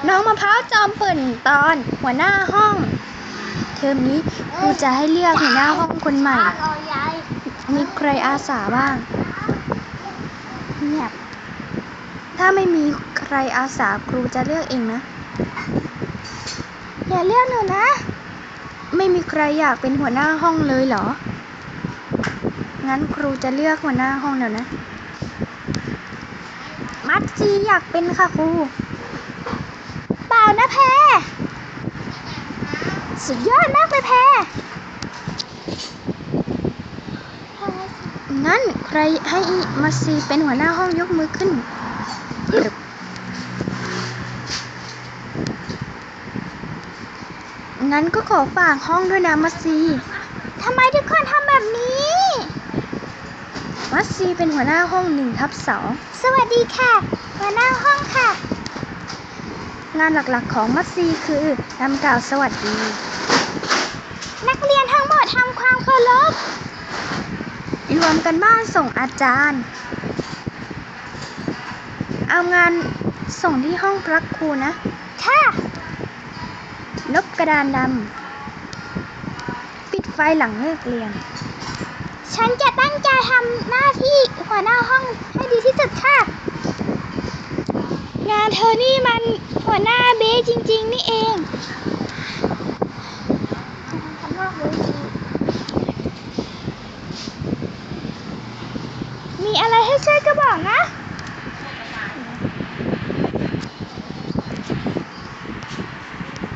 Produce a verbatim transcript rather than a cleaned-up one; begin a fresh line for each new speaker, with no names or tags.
น้องมะพร้าวจอมเปิ่นตอนหัวหน้าห้องเทอมนี้ครูจะให้เลือกหัวหน้าห้องคนใหม่มีใครอาสาบ้างเงียบถ้าไม่มีใครอาสาครูจะเลือกเองนะอย่าเลือกหนูนะไม่มีใครอยากเป็นหัวหน้าห้องเลยเหรองั้นครูจะเลือกหัวหน้าห้องเดี๋ยวนะมัดซีอยากเป็นค่ะครูเปล่านะแพรสุดยอดมากเลยแพรงั้นใครให้มัดซีเป็นหัวหน้าห้องยกมือขึ้นงั้นก็ขอฝากห้องด้วยนะมัดซีทำไมทุกคนทำแบบนี้มัดซีเป็นหัวหน้าห้องหนึ่งทับสองสวัสดีค่ะหัวหน้าห้องค่ะงานหลักๆของมัดซีคือทำกล่าวสวัสดีนักเรียนทั้งหมดทำความเคารพรวมกันบ้านส่งอาจารย์เอางานส่งที่ห้องพักครูนะค่ะลบกระดานดำปิดไฟหลังเลิกเรียนฉันจะตั้งใจทำหน้าที่หัวหน้าห้องให้ดีที่สุดค่ะงานเธอนี่มันหัวหน้าเบ๊จริงๆนี่เองมีอะไรให้ช่วยก็บอกนะ